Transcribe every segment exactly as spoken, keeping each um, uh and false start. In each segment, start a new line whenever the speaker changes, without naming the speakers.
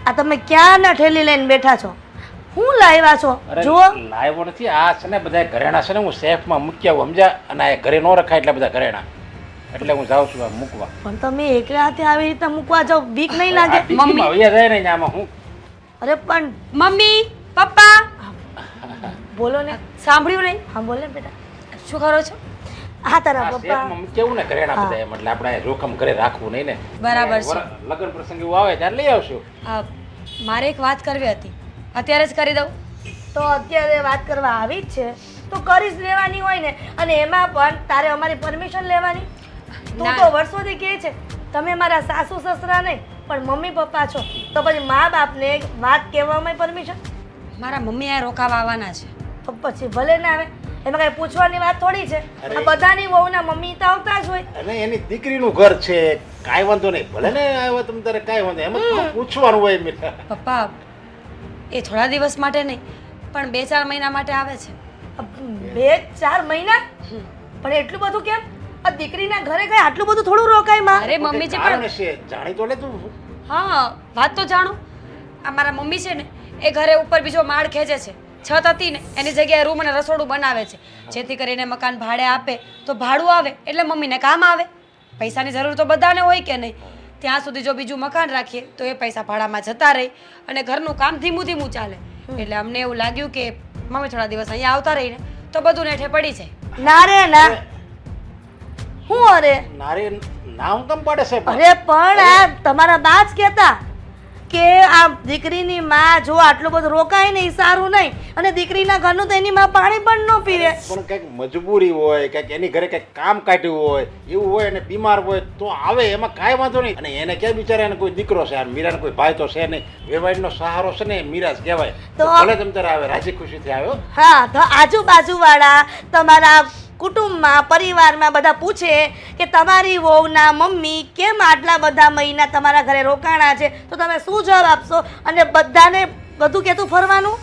આ તમે ક્યાં ના ઠેલી લઈને બેઠા છો? હું લાવ્યા છો? જુઓ.
લાવ્યો નથી, આ છે ને બધા ઘરેણા છે ને હું સેફમાં મૂકી આવું સમજ્યા, અને આ ઘરે ન રખાય એટલે બધા ઘરેણા, એટલે હું જાઉં છું આ મૂકવા.
પણ તમે એકલા હાથે આવી રીતે મૂકવા જાવ, બીક નહીં લાગે?
મમ્મી વૈયા જાય ને આમાં હું.
અરે પણ
મમ્મી પપ્પા
બોલો ને.
સાંભળ્યું નહીં?
હા બોલે બેટા.
શું કરો છો?
હા તારા
આ
પપ્પા.
સેફમાં મૂકી આવું ને ઘરેણા બધા એમ, એટલે આપણે જોખમ ઘરે રાખવું નહીં ને.
બરાબર છે.
વર- લગ્ન પ્રસંગ એવું આવે ત્યારે લઈ આવશું.
અ, મારે એક વાત કરવી હતી, અત્યારે જ કરી દઉં?
તો અત્યારે વાત કરવા આવી જ છે તો કરી જ લેવાની હોય ને. અને એમાં પણ તારે અમારી પરમિશન લેવાની. તું
ના.
તો વર્ષોથી કહે છે તમે મારા સાસુ સસરા નહીં પણ મમ્મી પપ્પા છો, તો પછી મા બાપને એક વાત કહેવામાં પરમિશન?
મારા મમ્મી આ રોકાવા આવવાના છે.
તો પછી ભલે ના આવે, એમાં કઈ પૂછવાની વાત થોડી છે.
અરે.
આ બધાની વહુના મમ્મી તો આવતા જ હોય.
અને એની દીકરીનું ઘર છે, કાંઈ વાંધો નહીં, ભલે ને આવ્યો તમે તારે કાંઈ વાંધો નહીં. એમાં થોડું પૂછવાનું હોય મીઠા.
પપ્પા એ થોડા દિવસ માટે નહીં પણ બે ચાર મહિના માટે આવે છે.
બે ચાર મહિના? પણ એટલું બધું કેમ? આ દીકરીના ઘરે કઈ આટલું બધું થોડું રોકાય માં?
અરે મમ્મીજી
કારણ
પણ
છે, જાણી તો લે તું.
હા વાત તો જાણો. આ મારા મમ્મી છે ને એ ઘરે ઉપર બીજો માળ ખેંચે છે. છત હતી ને એની જગ્યાએ રૂમ અને રસોડું બનાવે છે, જેથી કરીને મકાન ભાડે આપે તો ભાડું આવે એટલે મમ્મીને કામ આવે. પૈસાની જરૂર તો બધાને હોય કે નહીં? ત્યાં સુધી જો બીજું મકાન રાખીએ તો એ પૈસા ભાડામાં જતા રહે અને ઘરનું કામ ધીમું ધીમું ચાલે. એટલે અમને એવું લાગ્યું કે મમ્મી થોડા દિવસ અહીંયા આવતા રહીને તો બધું નેઠે પડી જાય.
ના રે ના. હું અરે
નારે નામ કેમ પાડે છે પણ?
અરે પણ આ તમારા બા જ કહેતા કે આ દીકરીની માં જો આટલું બધું રોકાય ને એ સારું નહીં, અને દીકરીના ઘરનું તો એની માં પાણી પણ ન પીવે.
પણ કંઈક મજબૂરી હોય, કંઈક એની ઘરે કંઈક કામ કાઢ્યું હોય, એવું હોય અને બીમાર હોય તો આવે, એમાં કાંઈ વાંધો નહીં. અને એને ક્યાં બિચારા એને કોઈ દીકરો છે, આ મીરાને કોઈ ભાઈ તો છે નહીં, વેવાઈનો સહારો છે ને એ મીરા જ કહેવાય.
તો-
તો ભલે તમ તારે આવે, રાજી ખુશીથી આવ્યો.
હા તો આજુબાજુ વાળા તમારા કુટુંબમાં પરિવારમાં બધા પૂછે કે તમારી વહુના મમ્મી કેમ આટલા બધા મહિના તમારા ઘરે રોકાણા છે, તો તમે શું જવાબ આપશો? અને બધાને બધું કહેતું ફરવાનું?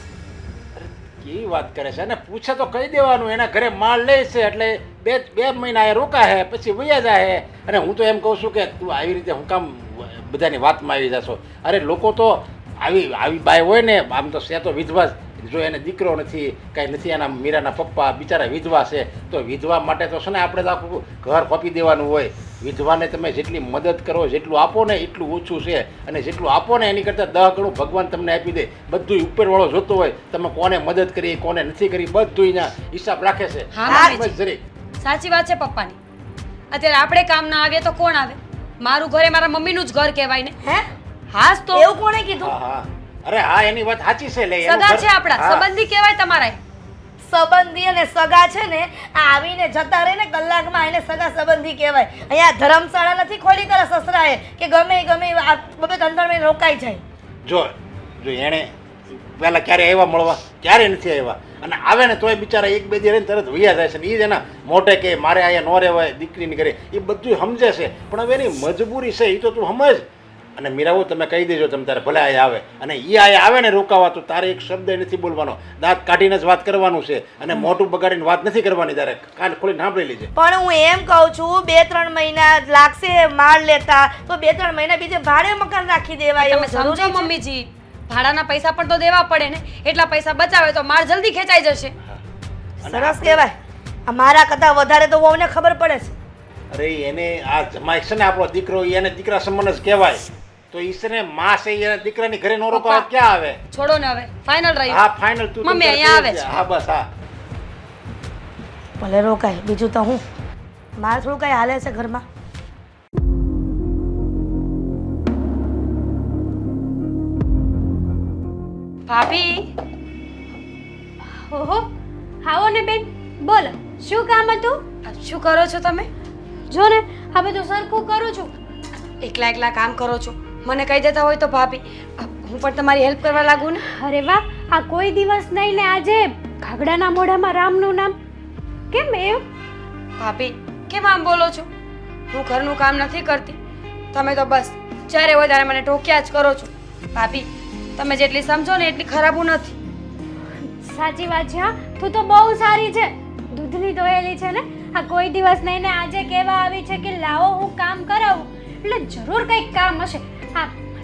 કેવી વાત કરે છે, અને પૂછે તો કહી દેવાનું, એના ઘરે માલ લે છે એટલે બે બે મહિના એ રોકાય પછી વયા જાય. અને હું તો એમ કહું છું કે તું આવી રીતે હું કામ બધાની વાતમાં આવી જશો? અરે લોકો તો આવી આવી બાઈ હોય ને, આમ તો છે તો વિધવા જ. જો એને દીકરો નથી, કાંઈ નથી, એના મીરાના પપ્પા બિચારા વિધવા છે, તો વિધવા માટે તો છે ને આપણે તો આખું ઘર ખોપી દેવાનું હોય. વિધવાને તમે જેટલી મદદ કરો, જેટલું આપો ને એટલું ઓછું છે, અને જેટલું આપો ને એની કરતાં દહ ગણું ભગવાન તમને આપી દે. બધું ઉપરવાળો જોતો હોય, તમે કોને મદદ કરી કોને નથી કરી બધું એના હિસાબ રાખે છે.
હા,
બસ
મમ્મીજી.
જરીક.
સાચી વાત છે પપ્પાની. અત્યારે આપણે કામ ના આવીએ તો કોણ આવે? મારું ઘર એ મારા મમ્મીનું જ ઘર કહેવાય ને.
હે
હાસ તો
એવું કોણે કીધું?
હા હા અરે હા, એની વાત સાચી છે. લે એનું
સગા
ઘર-
છે આપણા,
હા.
સંબંધી કહેવાય તમારા.
સંબંધી અને સગા છે ને આ આવીને જતા રહે ને કલાકમાં એને સગા સંબંધી કહેવાય. અહીંયા ધર્મશાળા નથી ખોલી તારા સસરાએ કે ગમે ઈ ગમે ઈ આ બબે ત્રણ ત્રણ મહિને રોકાઈ જાય.
જો જો એણે પહેલા ક્યારે આવ્યા મળવા, ક્યારે નથી આવ્યા, અને આવે ને તોય બિચારા એક બે દી રહીને તરત વૈયા જાય છે. ને એ જ એના મોઢે કે મારે અહીંયા ન રહેવાય દીકરીની ઘરે, એ બધું સમજે છે. પણ હવે એની મજબૂરી છે, એ તો તું સમજ. અને મીરાઓ તમે કહી દેજો તમે તારે ભલે અહીંયા આવે, અને એ અહીંયા આવે ને રોકાવા તો તારે એક શબ્દ નથી બોલવાનો, દાંત કાઢીને જ વાત કરવાનું છે, અને મોઢું બગાડીને વાત નથી કરવાની. તારે કાન ખોલીને સાંભળી લેજે.
પણ હું એમ કહું છું બે ત્રણ મહિના લાગશે માળ લેતા, તો બે ત્રણ મહિના બીજે ભાડે મકાન રાખી દેવાય.
તમે
એવું
સમજો
જરૂરી છે?
મમ્મીજી, ભાડાના પૈસા પણ તો દેવા પડે ને. એટલા પૈસા બચાવે તો માળ જલ્દી ખેંચાઈ જશે.
સરસ કહેવાય. આ મારા કરતા વધારે તો વહુને ખબર પડે છે.
અરે એને આ જમાઈ છે ને આપણો દીકરો, એને દીકરા સમાન જ કહેવાય. તો ઈ છે ને માં છે, એના દીકરાની ઘરે નો રોકાવા
પપ્પા.
ક્યાં આવે?
છોડો ને હવે, ફાઇનલ રહ્યું.
હા ફાઇનલ. તું
મમ્મી
તમ
અહીંયા
તારે
આવે છે.
હા બસ હા.
ભલે રોકાય, બીજું તો હું મારે થોડું કઈ હાલે છે ઘરમાં.
ભાભી
ઓહો, આવો ને બેન, બોલો શું કામ હતું?
શું કરો છો તમે?
જો ને આ બધું સરખું કરું છું.
એકલા એકલા કામ કરો છો, મને કહી દેતા હોય તો ભાભી હું પણ તમારી હેલ્પ કરવા લાગુ ને.
અરે વાહ, આ કોઈ દિવસ નહીં ને આજે ઘાગડાના મોઢામાં રામનું નામ કેમ એવું?
ભાભી કેમ આમ બોલો છો? હું ઘરનું કામ નથી કરતી, તમે તો બસ જ્યારે હોય ત્યારે મને ટોક્યા જ કરો છો. ભાભી તમે જેટલી સમજો ને એટલી ખરાબ હું નથી.
સાચી વાત છે. હા, તું તો બહુ સારી છે, દૂધની દોયેલી છે ને. આ કોઈ દિવસ નહીં ને આજે કહેવા આવી છે કે લાવો હું કામ કરાવું, એટલે જરૂર કંઈક કામ હશે. આ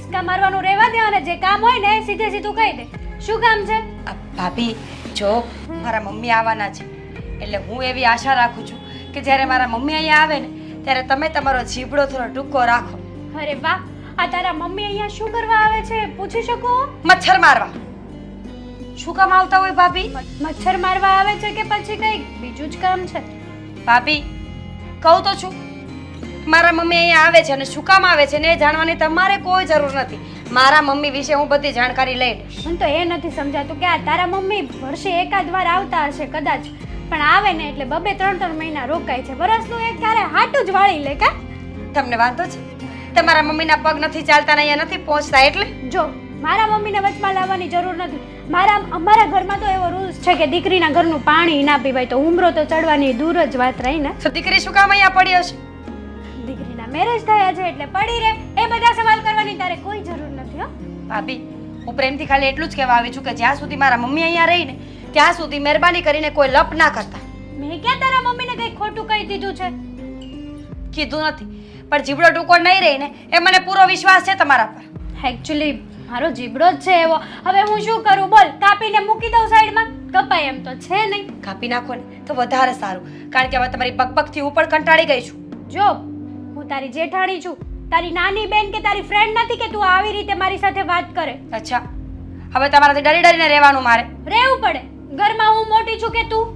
હિંચકા મારવાનું રહેવા દે અને જે કામ હોય ને સીધે સીધું કહી દે. શું કામ છે?
આ ભાભી જો મારા મમ્મી આવવાના છે એટલે હું એવી આશા રાખું છું કે જ્યારે મારા મમ્મી અહીંયા આવે ને ત્યારે તમે તમારો જીભડો થોડો ટૂંકો રાખો.
અરે વાહ, આ તારા મમ્મી અહીંયા શું કરવા આવે છે પૂછી શકું?
મચ્છર મારવા. શું કામ આવતા હોય ભાભી?
મચ્છર મારવા આવે છે કે પછી કંઈ બીજું જ કામ છે?
ભાભી કહું તો છું મારા મમ્મી અહીંયા આવે છે અને શું કામ આવે છે ને એ જાણવાની તમારે કોઈ જરૂર નથી. મારા મમ્મી વિશે હું બધી જાણકારી લઈ લઈશ.
મને તો એ નથી સમજાતું કે આ તારા મમ્મી વર્ષે એકાદ વાર આવતા હશે કદાચ, પણ આવે ને એટલે બબે ત્રણ ત્રણ મહિના રોકાય છે. વરસનું એક ક્યારે હાટું જ વાળી લે કા?
તમને વાંધો છે? તમારા મમ્મીના પગ નથી ચાલતા ને અહીંયા નથી પહોંચતા એટલે?
જો મારા મમ્મીને વચમાં લાવવાની જરૂર નથી. મારા અમારા ઘરમાં તો એવો રૂલ્સ છે કે દીકરીના ઘરનું પાણી ના પીવાય, તો ઉમરો તો ચડવાની દૂર જ વાત રહી ને.
તો દીકરી શું કામ અહીંયા પડી હશે?
દીકરીના મેરેજ થયા છે એટલે પડી રહે. એ બધા સવાલ કરવાની તારે કોઈ જરૂર નથી હો.
ભાભી હું પ્રેમથી ખાલી એટલું જ કહેવા આવી છું કે જ્યાં સુધી મારા મમ્મી અહીંયા રહીને ત્યાં સુધી મહેરબાની કરીને કોઈ લપ ના કરતા.
મેં ક્યાં તારા મમ્મીને કંઈ ખોટું કહી દીધું છે?
કીધું નથી પણ જીબડો ટૂંકો નહીં રહી ને એ મને પૂરો વિશ્વાસ છે તમારા પર.
એકચ્યુઅલી મારો જીબડો જ છે એવો. હવે હું શું કરું બોલ? કાપીને મૂકી દઉં સાઈડમાં? કપાય એમ તો છે નહીં.
કાપી નાખો ને તો વધારે સારું, કારણ કે હવે તમારી બકબકથી હું પણ કંટાળી ગઈ છું.
જો હું તારી જેઠાણી છું, તારી નાની બેન કે તારી ફ્રેન્ડ નથી કે તું આવી રીતે મારી સાથે વાત કરે.
અચ્છા હવે તમારાથી ડરી ડરીને રહેવાનું મારે?
રહેવું પડે. ઘરમાં હું મોટી છું કે તું?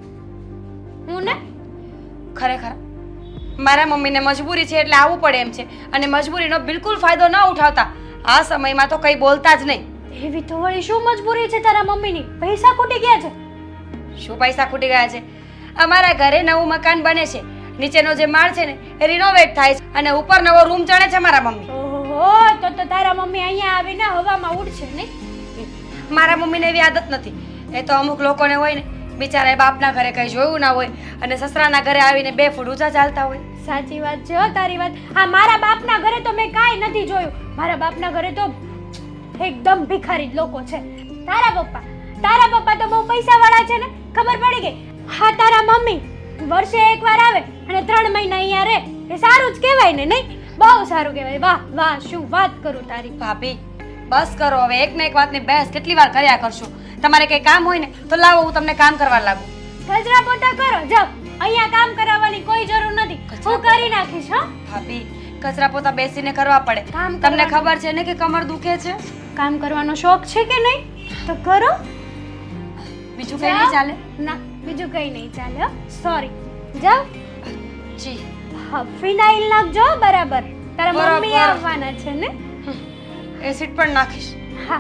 હું ને
ખરેખર મારા મમ્મીને મજબૂરી છે એટલે આવવું પડે એમ છે, અને મજબૂરીનો બિલકુલ ફાયદો ન ઉઠાવતા. આ સમયમાં તો કંઈ બોલતા જ નહીં.
એવી તો વળી શું મજબૂરી છે તારા મમ્મીની? પૈસા ખૂટી ગયા છે?
શું પૈસા ખૂટી ગયા છે? અમારા ઘરે નવું મકાન બને છે, નીચેનો જે માળ છે ને એ રિનોવેટ થાય છે અને ઉપર નવો રૂમ ચણે છે મારા મમ્મી.
ઓહો, તો તો તારા મમ્મી અહીંયા આવીને હવામાં ઉડશે નહીં?
મારા મમ્મીને એવી આદત નથી. એ તો અમુક લોકોને હોય ને બિચારા બાપના ઘરે કંઈ જોયું ના હોય અને સસરાના ઘરે આવીને બે ફૂટ ઊંચા ચાલતા હોય.
સાચી વાત છે હો તારી વાત. હા, મારા બાપના ઘરે તો મેં કાંઈ નથી જોયું. મારા બાપના ઘરે તો એકદમ ભિખારી જ લોકો છે. તારા પપ્પા તારા પપ્પા તો બહુ પૈસાવાળા છે ને, ખબર પડી ગઈ. હા, તારા મમ્મી વર્ષે એકવાર આવે અને ત્રણ મહિના અહીંયા રહે, એ સારું જ કહેવાય ને? નહીં, બહુ સારું કહેવાય. વાહ વાહ, શું વાત કરું તારી.
ભાભી બસ કરો હવે, એક ને એક વાતની બહેસ કેટલી વાર કર્યા કરશો? તમારે કંઈ કામ હોય ને તો લાવો હું તમને કામ કરવા લાગુ.
કચરા પોતા કરો જાઓ, અહીંયા કામ કરાવવાની કોઈ જરૂર નથી. હું કરી નાખીશ. હા
ભાભી કચરા પોતા બેસીને કરવા પડે.
કામ
તમને
કરવાનું.
ખબર છે ને કે કમર દુખે છે?
કામ કરવાનો શોખ છે કે નહીં? તો કરો.
બીજું કંઈ નહીં ચાલે?
ના, બીજું કંઈ નહીં ચાલે હો. સોરી. જાઓ.
જી
હા, ફિનાઇલ નાખજો બરાબર. તારા
બરાબર.
મમ્મી આવવાના છે ને?
એસિડ પણ નાખીશ.
હા.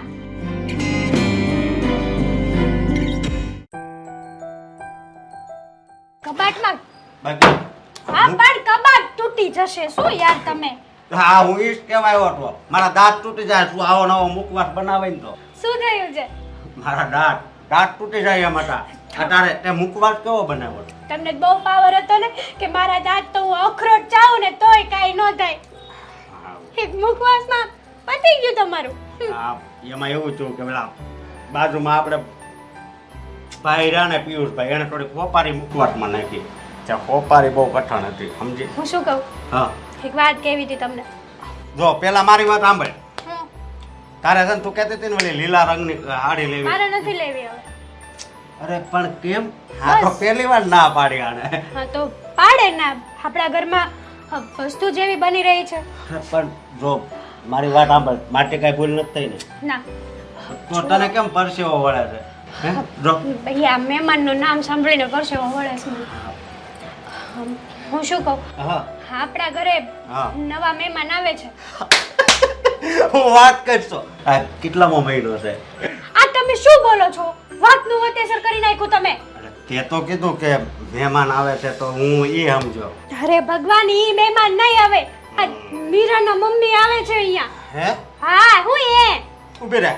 કબાટમાં
બાકી
હા, પણ કબાટ તૂટી જશે. શું યાર તમે?
હા હું ઈ જ કહેવા આવ્યો હતો. મારા દાંત તૂટી જાય શું આવો નવો મુખવાસ બનાવે ને તો
શું થયું છે?
મારા દાંત દાંત તૂટી જાય એમ હતા. અટારે તે મુખવાસ કેવો બનાવ્યો?
તમને બહુ પાવર હતો ને કે મારા દાંત તો હું અખરોટ ચાવું ને તોય કાંઈ ન થાય. એક મુખવાસમાં પતી ગયું તમારું.
હા એમાં એવું થયું કે પેલા બાજુમાં આપણે ભાઈ રહ્યા ને પિયુષભાઈ એને થોડી ખોપારી મુખવાસમાં નાખી. ત્યાં ખોપારી બહુ કઠણ હતી સમજી.
હું શું કહું?
હા
એક વાત કેવી હતી તમને.
જો પેલા મારી વાત સાંભળ.
હું
તારે છે ને તું કહેતી હતી ને ઓલી લીલા રંગની સાડી લેવી.
મારે નથી લેવી હવે.
અરે પણ કેમ? હા તો પહેલી વાર ના પાડી આને.
હા તો પાડે ના. આપણા ઘરમાં અ, વસ્તુ જેવી બની રહી છે.
અરે પણ જો મારી વાત સાંભળ માટે કઈ ભૂલ નથી થઈ ને
ના
તો તને કેમ પરસેવો વળે છે? હે જો
ભાઈ આ મહેમાનનું નામ સાંભળીને પરસેવો વળે છે મને. હમ, હું શું કહું?
હા
આપણા ઘરે
હા.
નવા મહેમાન આવે છે.
હું વાત કરશો આ કેટલામો મહિનો છે?
આ તમે શું બોલો છો? વાતનું વતેસર કરી નાખ્યું તમે.
અરે તે તો કીધું કે મહેમાન આવે છે તો હું ઈ સમજો.
અરે ભગવાન, ઈ મહેમાન નહીં આવે. આ મીરાના મમ્મી આવે છે અહીંયા.
હે
હા, હું એ
ઉભી રહે.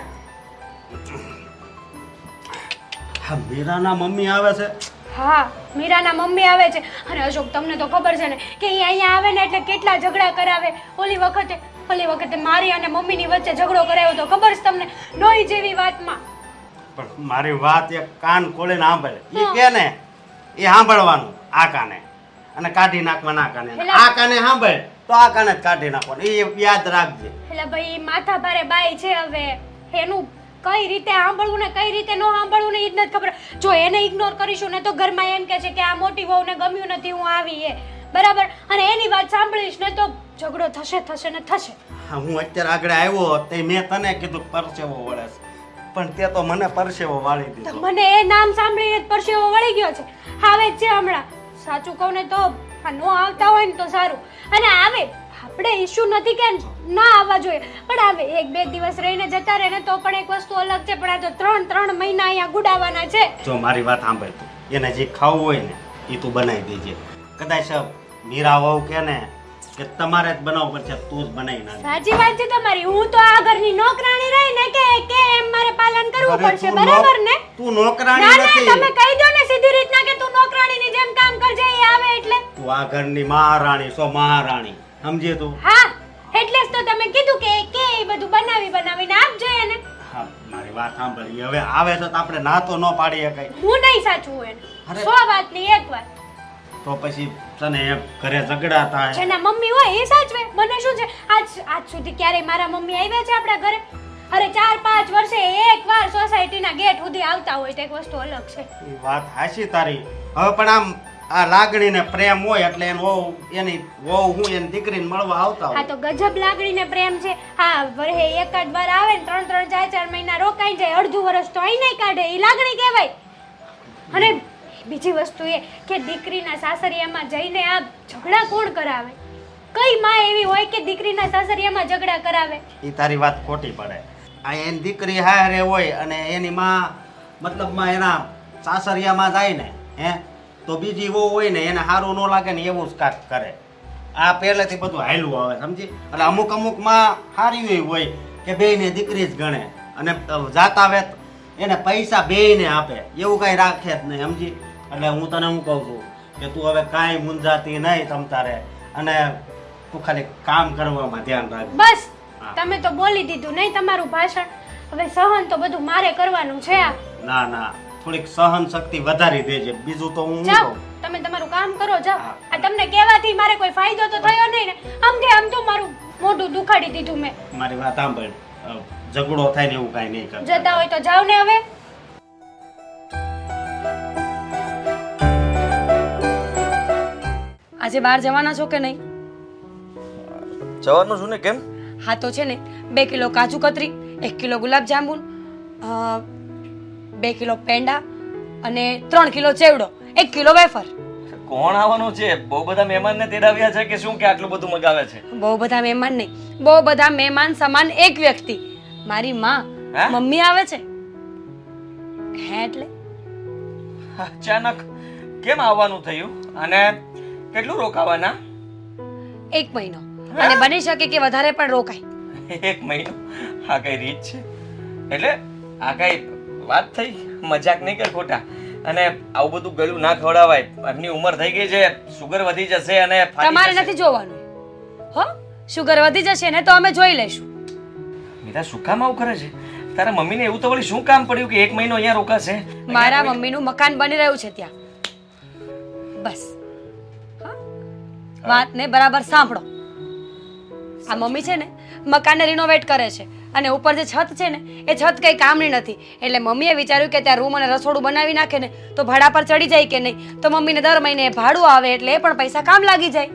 હા મીરાના મમ્મી આવે છે?
હા, મીરાના મમ્મી આવે છે. અને અશોક તમને તો ખબર છે ને કે ઈ અહીંયા આવે ને એટલે કેટલા ઝઘડા કરાવે. ઓલી વખતે ઓલી વખતે મારી અને મમ્મીની વચ્ચે ઝઘડો કરાવ્યો તો ખબર છે તમને? નોઈ જેવી વાતમાં.
પણ મારી વાત એક કાન ખોલીને સાંભળે. ઈ કે ને એ સાંભળવાનું આ કાને અને કાઢી નાખવા ના કાને.
એટલે-
આ કાને સાંભળ તો આ કાને જ કાઢી નાખવાનું. એ યાદ રાખજે.
એટલે ભાઈ માથા ભારે બાઈ છે હવે એનું કઈ રીતે સાંભળવું ને કઈ રીતે ન સાંભળવું ને એ જ નથી ખબર. જો એને ઇગ્નોર કરીશું ને તો ઘરમાં એમ કહે છે કે આ મોટી વહુને ગમ્યું નથી હું આવી એ બરાબર, અને એની વાત સાંભળીશ ને તો ઝઘડો થશે થશે ને થશે.
હા, હું અત્યારે આગળ આવ્યો તે મેં તને કીધું પરસેવો વળે છે, પણ તે તો મને પરસેવો વાળી
તો
દીધો.
મને એ નામ સાંભળીને જ પરસેવો વળી ગયો છે. આવે જ છે હમણાં. સાચું કહું ને તો આ નો આવતા હોય ને તો સારું, અને આવે આપણે ઇશ્યુ નથી કે ના આવવા જોઈએ, પણ આવે એક બે દિવસ રહીને જતા રહે ને તો પણ એક વસ્તુ અલગ છે, પણ આ તો ત્રણ ત્રણ મહિના અહીંયા ગુડાવાના છે.
જો મારી વાત સાંભળ તું, એને જે ખાવું હોય ને એ તું બનાવી દેજે. કદાચ મીરા વહુ કે ને કે તમારે જ બનાવવું પડશે, તું જ બનાવી નાખ.
સાચી વાત છે તમારી. હું તો આ ઘરની નોકરાણી રહી ને કે કે એમ મારે પાલન કરવું
અરે
પડશે,
તું
બરાબર ને?
તું નોકરાણી
ના ના
નથી.
તમે કહી દો ને સીધી રીતના કે તું નોકરાણીની જેમ કામ કરજે એ આવે એટલે.
તું આ ઘરની મહારાણી છો, મહારાણી, સમજી તું?
હા, એટલે જ તો તમે કીધું કે કે એ બધું બનાવી બનાવીને આપજો એને.
હા, મારી વાત સાંભળી. હવે આવે છે તો આપણે ના તો ન પાડી શકાય.
હું નહીં સાચું એને.
અરે.
સો વાતની એક વાત.
તો પછી તને એમ ઘરે ઝઘડા થાય.
જેના મમ્મી હોય એ સાચવે. મને શું છે, આજ આજ સુધી ક્યારેય મારા મમ્મી આવ્યા છે આપણા ઘરે? અરે ચાર પાંચ વર્ષે એક વાર સોસાયટીના ગેટ સુધી આવતા હોય તો એક વસ્તુ અલગ છે.
એ વાત હાચી તારી. હવે પણ આમ આ લાગણી ને પ્રેમ હોય એટલે એનો વહુ એની વહુ હું એની દીકરીને મળવા આવતા
હા
હોય.
તો ગજબ લાગણીને પ્રેમ છે. હા, વરહે એકાદ વાર આવે ને ત્રણ ત્રણ ચાર ચાર મહિના રોકાઈ જાય, અડધું વર્ષ તો અહીં નહીં કાઢે, એ લાગણી કહેવાય. અને બીજી વસ્તુ એ કે દીકરીના સાસરિયામાં જઈને આ ઝઘડા કોણ કરાવે? કઈ માં એવી હોય કે દીકરીના સાસરિયામાં ઝઘડા કરાવે?
એ તારી વાત ખોટી પડે. આ એની દીકરી હારે હોય અને એની માં મતલબમાં એના સાસરિયામાં જાય ને હે તો બીજી વહુ હોય ને એને સારું ન લાગે ને એવું જ કાંક કરે. આ પહેલેથી બધું હાયલું આવે, સમજી? એટલે અમુક અમુક માં સારી હોય કે બેયને દીકરી જ ગણે અને જાતા વેત એને પૈસા બેયને આપે, એવું કાંઈ રાખે જ નહીં, સમજી? એટલે હું તને હું કહું છું કે તું હવે કાંઈ મૂંઝાતી નહીં તમ તારે, અને તું ખાલી કામ કરવામાં ધ્યાન રાખ.
બસ
હા.
તમે તો બોલી દીધું નહીં તમારું ભાષણ. હવે સહન તો બધું મારે કરવાનું છે. આ
ના ના, થોડીક સહન શક્તિ વધારી દેજે, બીજું તો હું શું
જાઓ
કહું.
તમે તમારું કામ કરો, જાઓ.
હા.
આ તમને કહેવાથી મારે કોઈ ફાયદો તો થયો નહીં ને? આમ કે આમ તો મારું મોઢું દુખાડી દીધું મેં.
મારી વાત સાંભળ, અ, ઝઘડો થાય ને એવું કાંઈ નહીં કર.
જતા હોય તો જાઓ ને હવે.
આજે બહાર જવાના છો કે નહીં?
જવાનું છું ને. કેમ?
હા તો છે ને બે કિલો કાજુ કતરી, એક કિલો ગુલાબ જાંબુ, બે કિલો પેંડા અને ત્રણ કિલો ચેવડો, એક કિલો વેફર.
કોણ આવવાનું છે? બહુ બધા મહેમાનને તેડાવ્યા છે કે શું કે આટલું બધું મગાવે છે?
બહુ બધા મહેમાન નહીં, બહુ બધા મહેમાન સમાન એક વ્યક્તિ, મારી માં.
હે?
મમ્મી આવે છે. હે એટલે
અચાનક કેમ આવવાનું થયું અને કેટલું રોકાવાના?
એક મહિનો, અને બની શકે કે વધારે પણ રોકાય.
એક મહિનો? આ કઈ રીત છે? એટલે આ કઈ વાત થઈ? મજાક નહીં કર ખોટા. અને આવું બધું ગળું ના ખવડાવાય. એમની ઉંમર થઈ ગઈ છે, સુગર વધી જશે અને ફાટી
તમારે
જશે.
નથી જોવાનું. હો, શુગર વધી જશે ને તો અમે જોઈ લઈશું.
મીરા શું કામ આવું કરે છે? તારા મમ્મીને એવું તો વળી શું કામ પડ્યું કે એક મહિનો અહીંયા રોકાશે?
મારા મમ્મીનું મકાન બની રહ્યું છે ત્યાં. બસ હા? વાતને બરાબર સાંભળો. આ મમ્મી છે ને મકાનને રિનોવેટ કરે છે, અને ઉપર જે છત છે ને એ છત કઈ કામની નથી, એટલે મમ્મીએ વિચાર્યું કે ત્યાં રૂમ અને રસોડું બનાવી નાખે ને તો ભાડા પર ચડી જાય કે નહીં, તો મમ્મીને દર મહિને ભાડું આવે એટલે એ પણ પૈસા કામ લાગી જાય.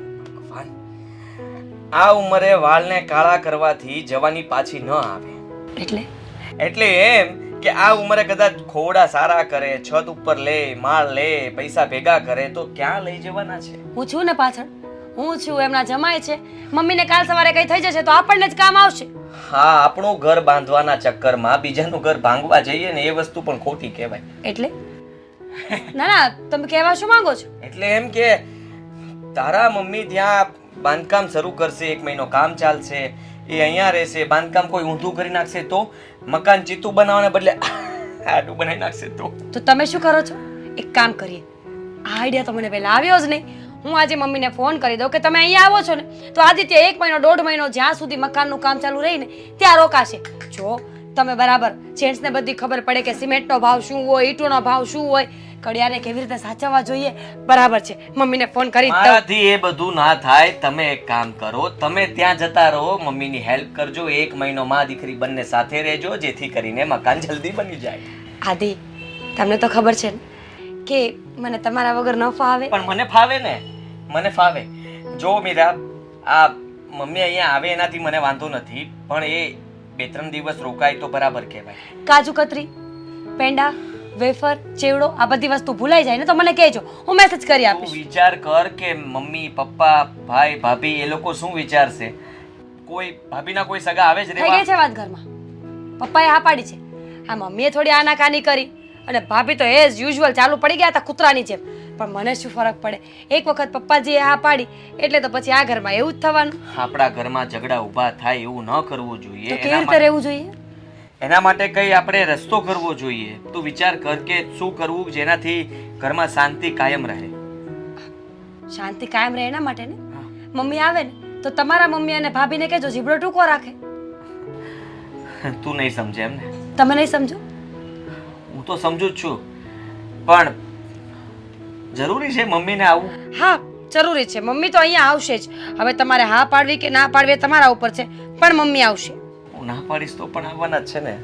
આ ઉંમરે વાળને કાળા કરવાથી જવાની પાછી ન આવે.
એટલે
એટલે એમ કે આ ઉંમરે કદાચ ખોડા સારા કરે, છત ઉપર લે, માળ લે, પૈસા ભેગા કરે તો ક્યાં લઈ જવાના છે?
હું છું ને પાછળ, હું છું, એમના જમાય છે. મમ્મીને કાલ સવારે કઈ થઈ જશે તો આપણને જ કામ આવશે.
હા, આપણું ઘર બાંધવાના ચક્કરમાં બીજાનું ઘર ભાંગવા જઈએ ને એ વસ્તુ પણ ખોટી કહેવાય.
એટલે ના ના, તમે કહેવા શું માંગો છો?
એટલે એમ કે તારા મમ્મી ત્યાં બાંધકામ શરૂ કરશે, એક મહિનો કામ ચાલશે, એ અહીંયા રહેશે, બાંધકામ કોઈ ઊંધું કરી નાખશે તો, મકાન ચીતું બનાવવાને બદલે આડું બનાવી નાખશે તો
તો તમે શું કરો છો? એક કામ કરીએ, આ આઈડિયા તો મને પહેલા આવ્યો જ નહીં. હું આજે મમ્મીને ફોન કરી દઉં કે તમે અહીંયા આવો છો ને તો આદિત્ય એક મહિનો દોઢ મહિનો જ્યાં સુધી મકાનનું કામ ચાલુ રહીને ત્યાં રોકાશે. જો તમે બરાબર જેન્ટ્સને બધી ખબર પડે કે સિમેન્ટનો ભાવ શું હોય, ઈંટોનો ભાવ શું હોય, કડિયાને કેવી રીતે સાચવવા જોઈએ બરાબર છે મમ્મીને ફોન કરી જ દઉં.
મારાથી એ બધું ના થાય. તમે એક કામ કરો, તમે ત્યાં જતા રહો, મમ્મીની હેલ્પ કરજો. એક મહિનો માં દીકરી બંને સાથે રહેજો, જેથી કરીને મકાન જલ્દી બની જાય.
આદિ તમને તો ખબર છે ને કે મને તમારા વગર ન ફાવે.
પણ મને ફાવે ને, મને ફાવે. જો મીરા, આ મમ્મી અહીંયા આવે એનાથી મને વાંધો નથી, પણ એ બે ત્રણ દિવસ રોકાય તો બરાબર કહેવાય.
કાજુ કતરી, પેંડા, વેફર, ચેવડો આ બધી વસ્તુ ભૂલાઈ જાય ને તો મને કહેજો, હું મેસેજ કરી
તું
આપીશ.
વિચાર કર કે મમ્મી પપ્પા ભાઈ ભાભી એ લોકો શું વિચારશે. કોઈ ભાભીના કોઈ સગા આવે જ
થઈ ગઈ
રહેવા.
છે વાત ઘરમાં. પપ્પાએ હા પાડી છે. આ મમ્મીએ થોડી આનાકાની કરી અને ભાભી તો એઝ યુઝ્યુઅલ ચાલુ પડી ગયા હતા કૂતરાની જેમ. પણ મને શું ફરક પડે, એક વખત પપ્પાજીએ હા પાડી એટલે તો પછી આ ઘરમાં એવું જ થવાનું.
આપણા ઘરમાં ઝઘડા ઊભા થાય એવું ન કરવું જોઈએ.
તો
એના
કેવી રીતે
માટે-
રહેવું જોઈએ?
એના માટે કઈ આપણે રસ્તો કરવો જોઈએ. તું વિચાર કર કે શું કરવું જેનાથી ઘરમાં શાંતિ કાયમ રહે.
શાંતિ કાયમ રહે એના માટે ને મમ્મી આવે ને તો તમારા મમ્મી અને ભાભીને કહેજો જીબડો ટૂંકો રાખે.
તું નહીં સમજે એમ ને?
તમે નહીં સમજો?
હું તો સમજુ જ છું, પણ જરૂરી છે મમ્મીને આવું?
હા જરૂરી છે. મમ્મી તો અહીંયા આવશે જ. હવે તમારે હા પાડવી કે ના પાડવી એ તમારા ઉપર છે, પણ મમ્મી આવશે.
હું ના પાડીશ તો પણ આવવાના જ છે ને.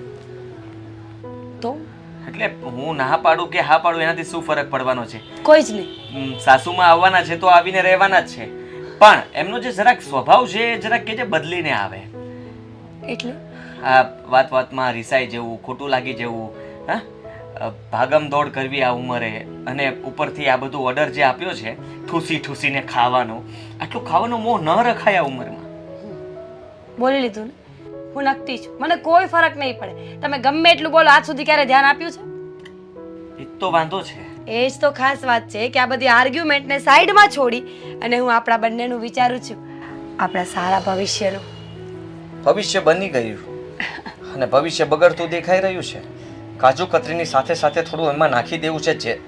તો
એટલે હું ના પાડું કે હા પાડું એનાથી શું ફરક પડવાનો છે?
કોઈ જ નહીં.
હમ, સાસુમાં આવવાના છે તો આવીને રહેવાના જ છે, પણ એમનો જે જરાક સ્વભાવ છે એ જરાક કે જે બદલીને આવે.
એટલે
આ વાત વાતમાં રિસાઈ જવું, ખોટું લાગી જવું, હા અ, ભાગમ દોડ કરવી આ ઉંમરે, અને ઉપરથી આ બધું ઓર્ડર જે આપ્યો છે ઠૂસી ઠૂસીને ખાવાનો, આટલું ખાવાનો મોહ ન રખાય આ ઉંમરમાં.
બોલી લીધું ને, હું નક્કી છું. મને કોઈ ફરક નહીં પડે. તમે ગમે એટલું બોલો, આજ સુધી ક્યારે ધ્યાન આપ્યું છે?
એ જ તો વાંધો છે.
એ જ તો ખાસ વાત છે કે આ બધી આર્ગ્યુમેન્ટને સાઈડમાં છોડી અને હું આપણા બંનેનું વિચારું છું, આપણા સારા ભવિષ્યનું.
ભવિષ્ય બની ગયું અને ભવિષ્ય બગડતું દેખાઈ રહ્યું છે. કાજુ કતરીની સાથે સાથે થોડું એમાં નાખી દેવું છે. જે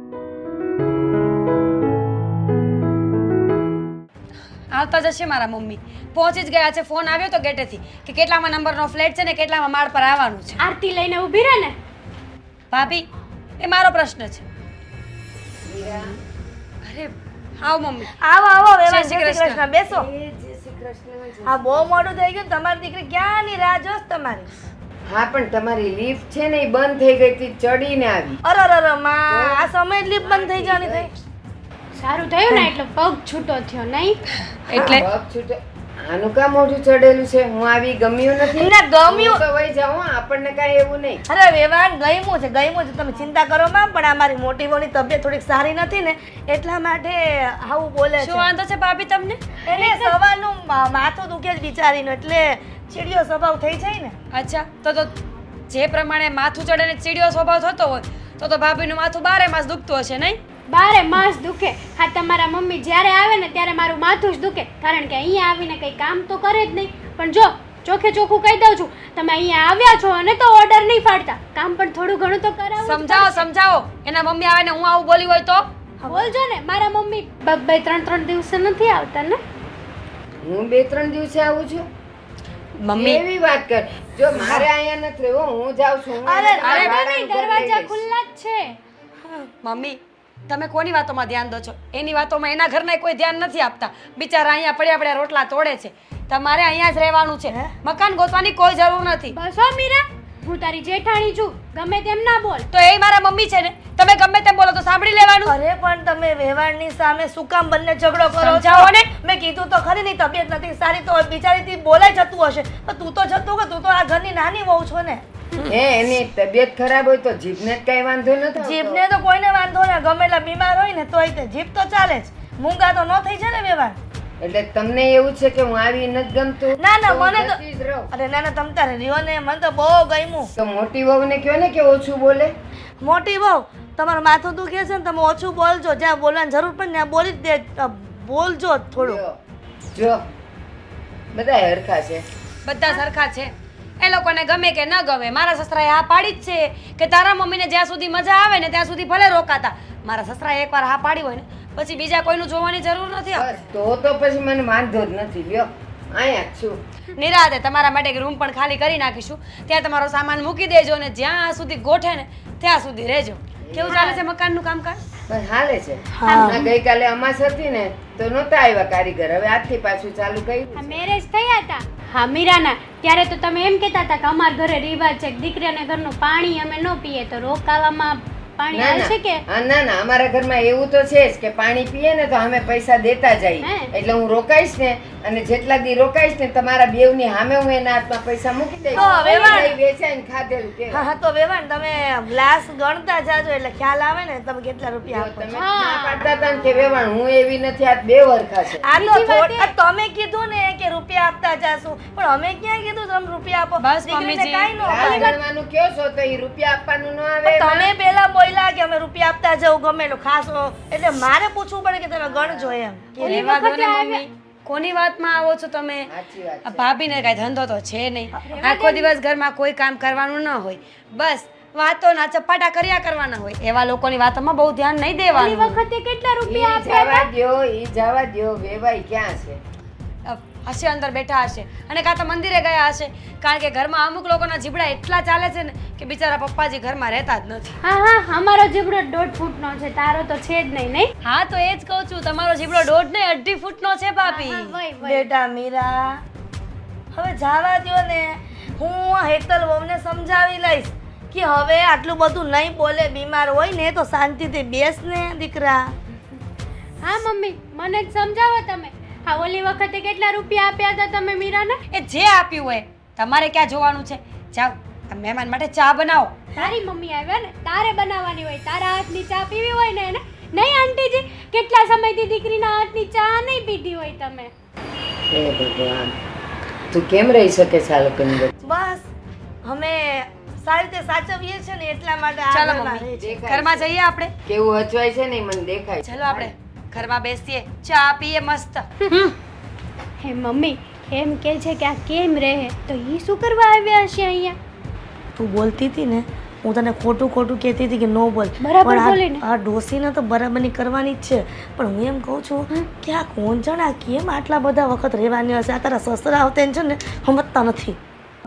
આવતા જશે મારા મમ્મી. પહોંચી જ ગયા છે. ફોન આવ્યો તો ગેટેથી કે કેટલામાં નંબરનો ફ્લેટ છે ને કેટલામાં માળ પર આવવાનું છે.
આરતી લઈને ઊભી રહે ને.
ભાભી એ મારો પ્રશ્ન છે. અરે આવ મમ્મી.
આવો આવો
જય
વેવાણ,
શ્રી
જય શ્રી
કૃષ્ણ.
કૃષ્ણ બેસો. હા બહુ મોડું થઈ ગયું ને, તમારી દીકરી ક્યાંની રાહ જોશ તમારી.
હા પણ તમારી લિફ્ટ છે ને એ બંધ થઈ ગઈ હતી, ચડીને આવી.
અરે અરે અરે માં, આ સમય જ લીપ બંધ થઈ જવાની થઈ.
સારું થયું ને એટલે પગ છૂટો થયો નહીં.
એટલે
હા, પગ છૂટો. આનું કામ મોઢું ચડેલું છે. હું આવી ગમ્યું નથી.
ના, ગમ્યું.
હું તો વહી જાઉં હો, આપણને કાંઈ એવું નહીં.
અરે વેવાણ ગયમું છે ગયમું છે, તમે ચિંતા કરો માં. પણ આ મારી મોટી વહુની તબિયત થોડીક સારી નથી ને એટલા માટે આવું બોલે
શું
છે.
વાંધો છે ભાભી તમને?
એને સવારનું મા- માથું દુખે જ બિચારીનું, એટલે ચીડિયો સ્વભાવ થઈ જાય ને.
અચ્છા તો તો જે પ્રમાણે માથું ચડે ને ચીડિયો સ્વભાવ થતો હોય તો તો ભાભીનું માથું બારે માસ દુખતું હશે નહીં?
બારે માસ દુખે. હા તમારા મમ્મી જ્યારે આવે ને ત્યારે મારું માથું જ દુખે, કારણ કે અહીંયા આવીને કંઈ કામ તો કરે જ નહીં. પણ જો ચોખે ચોખ્ખું કહી દઉં છું, તમે અહીંયા આવ્યા છો અને તો ઓર્ડર નહીં પાડતા, કામ પણ થોડું ઘણું તો કરાવો.
સમજાવો સમજાવો. એના મમ્મી આવે ને હું આવું બોલી હોય તો?
બોલજો ને. મારા મમ્મી બ- બે ત્રણ ત્રણ દિવસે નથી આવતા ને.
હું બે ત્રણ દિવસે આવું છું.
મમ્મી
એવી વાત કર. જો મારે અહીંયા નથી રહેવું, હું જાઉં છું. હું
અરે,
મારા
અરે,
ભાડાનું ઘર લઈ
દરવાજા
લઈશ.
ખુલ્લા જ છે.
મમ્મી તમે કોની વાતોમાં ધ્યાન દો છો? એની વાતોમાં એના ઘરના કોઈ ધ્યાન નથી આપતા. બિચારા અહીંયા પડ્યા પડ્યા રોટલા તોડે છે. તમારે અહીંયા જ રહેવાનું છે. મકાન ગોતવાની કોઈ જરૂર નથી.
બસ હો મીરા, હું તારી જેઠાણી છું, ગમે તેમ ના બોલ.
તો એ મારા મમ્મી છે ને, તમે ગમે તેમ બોલો તો સાંભળી લેવાનું.
અરે પણ તમે વેવાણની સામે શું કામ બંને ઝઘડો કરો છો?
સમજાવો ને.
મેં કીધું તો ખરી ની તબિયત નથી સારી, તો બિચારીથી બોલાઈ જતું હશે. પણ તું તો જતું કે તું તો આ ઘરની નાની વહુ છો ને.
હે એની તબિયત ખરાબ હોય તો જીભને જ કાંઈ વાંધો નથી આવતો.
જીભને તો કોઈને વાંધો ને, ગમે એટલા બીમાર હોય ને તોય તે જીભ તો ચાલે જ. મૂંગા તો ન થઈ જાય ને વેવાણ.
એટલે તમને એવું છે કે હું આવી નથી ગમતું?
ના ના
હું
મને તો
જતી જ રહું.
અરે ના ના તમ તારે રહ્યો ને, મને તો બહુ ગમ્યું.
તો મોટી વહુને કહો ને કે ઓછું બોલે.
મોટી વહુ તમારું માથું દુખે છે ને, તમે ઓછું બોલજો. જ્યાં બોલવાની જરૂર પડે ને ત્યાં બોલી જ દે, અ, બોલજો થોડું.
જો, જો બધા હરખા છે.
બધા સરખા છે. એ લોકોને ગમે કે ન ગમે, મારા સસરાએ હા પાડી જ છે કે તારા મમ્મીને જ્યાં સુધી મજા આવે ને ત્યાં સુધી ભલે રોકાતા. મારા સસરાએ એકવાર હા પાડી હોય ને પછી બીજા કોઈનું જોવાની જરૂર નથી.
બસ તો તો પછી મને વાંધો જ નથી. લ્યો અહીંયા જ છું.
નિરાતે તમારા માટે એક રૂમ પણ ખાલી કરી નાખીશું. ત્યાં તમારો સામાન મૂકી દેજો ને જ્યાં સુધી ગોઠે ને ત્યાં સુધી રહેજો. કેવું ચાલે છે મકાનનું કામકાજ?
બસ હાલે છે.
હા.
હમણાં ગઈકાલે અમાસ હતી ને તો નહોતા આવ્યા કારીગર, હવે આજથી પાછું ચાલુ કર્યું
આ મેરેજ થયા હતા હા મીરાના, ત્યારે તો તમે એમ કહેતા હતા કે અમારા ઘરે રિવાજ છે કે દીકરીને ઘરનું પાણી અમે ન પીએ, તો રોકાવામાં પાણી
ના
આવે છે કે
ના હા, ના ના અમારા ઘરમાં એવું તો છે જ કે પાણી પીએ ને તો અમે પૈસા દેતા જઈએ.
હે?
એટલે હું રોકાઈશ ને અને જેટલા દી રોકાઈશ ને તમારા બેવની સામે હું એના હાથમાં પૈસા મૂકી દઈશ.
તો હવે વાત-
એ વેચાઈને ખાધેલું
હા
કહેવાય.
હા તો વેવાણ તમે ગ્લાસ ગણતા જાજો એટલે ખ્યાલ આવે ને તમે કેટલા રૂપિયા
જો
આપો છો.
તમે ના પાડતા હતા ને કે વેવાણ હું એવી નથી, આ બે વરખા છે.
આ તો
બીજી વાત
થોડ- આ તમે કીધું ને કે રૂપિયા આપતા જાશું, પણ અમે ક્યાં કીધું તમે રૂપિયા આપો?
બસ,
દીકરીને
મમ્મીજી.
કાંઈ ન
લાલ
અપાય.
ગણવાનું કયો છો તો એ રૂપિયા આપવાનું ન આવે
પણ
એમાં?
તમે પેલા બોલ્યા કે અમે રૂપિયા આપતા જવું ગમે એટલું ખાસો, એટલે મારે પૂછવું પડે કે તમે ગણજો એમ.
કે રહેવા દો ને મમ્મી, કોની વાતમાં આવો છો તમે?
સાચી વાત
આ
છે.
ભાભીને કાંઈ ધંધો તો છે નહીં, આખો દિવસ ઘરમાં કોઈ કામ કરવાનું ન હોય, બસ વાતોના ચપાટા કર્યા કરવાના હોય. એવા લોકોની વાતોમાં બહુ ધ્યાન નહીં
ઓલી
દેવાનું.
વખતે કેટલા રૂપિયા
ઈ
આપ્યા
જવા દ્યો, ઈ જવા દ્યો, વેવાઈ ક્યાં છે?
અ, હશે અંદર બેઠા હશે અને કાં તો મંદિરે ગયા હશે, કારણ કે ઘરમાં અમુક લોકોના જીબડા એટલા ચાલે છે ને કે બિચારા પપ્પાજી ઘરમાં રહેતા જ નથી.
હા હા અમારો જીબડો દોઢ ફૂટનો છે, તારો તો છે જ નહીં નહીં
હા તો એ જ કહું છું, તમારો જીબડો દોઢ ને અઢી ફૂટનો છે ભાભી.
હા, વય, વય.
બેટા મીરા, હવે જાવા દ્યો ને, હું આ હેતલ વહુને સમજાવી લઈશ કે હવે આટલું બધું નહીં બોલે, બીમાર હોય ને તો શાંતિથી બેસ ને દીકરા.
હા મમ્મી મને જ સમજાવો તમે. હા ઓલી વખતે કેટલા રૂપિયા આપ્યા હતા તમે મીરાને?
એ જે આપ્યું હોય તમારે ક્યાં જોવાનું છે? જાઓ આ મહેમાન માટે ચા બનાવો.
તારી મમ્મી આવ્યા ને, તારે બનાવવાની હોય, તારા હાથની ચા પીવી હોય ને એને. નહીં આંટીજી, કેટલા સમયથી દીકરીના હાથની ચા નહીં પીધી હોય તમે.
હે ભગવાન, તું કેમ રહી શકે છે આ લોકોની વચ્ચે?
બસ અમે સારી રીતે સાચવીએ છે ને એટલા માટે
ચાલો
આગળના
મમ્મી.
રહે છે.
દેખાય
ઘરમાં
છે.
જઈએ આપણે.
કેવું હચવાય છે ને ઈ મને દેખાય છે.
ચલો આપણે ઘરમાં બેસીએ, ચા પીએ મસ્ત.
હે મમ્મી એમ કહે છે કે આ કેમ રહે, તો એ શું કરવા આવ્યા હશે અહીંયા?
તું બોલતી હતી ને, હું તને ખોટું ખોટું કહેતી હતી કે નો બોલ,
બરાબર
પણ આ-
બોલીને.
આ ડોસીને તો બરાબરની કરવાની જ છે, પણ હું એમ કહું છું કે આ કોણ જણા કેમ આટલા બધા વખત રહેવાની હશે? આ તારા સસરા આવતા છે ને સમજતા નથી.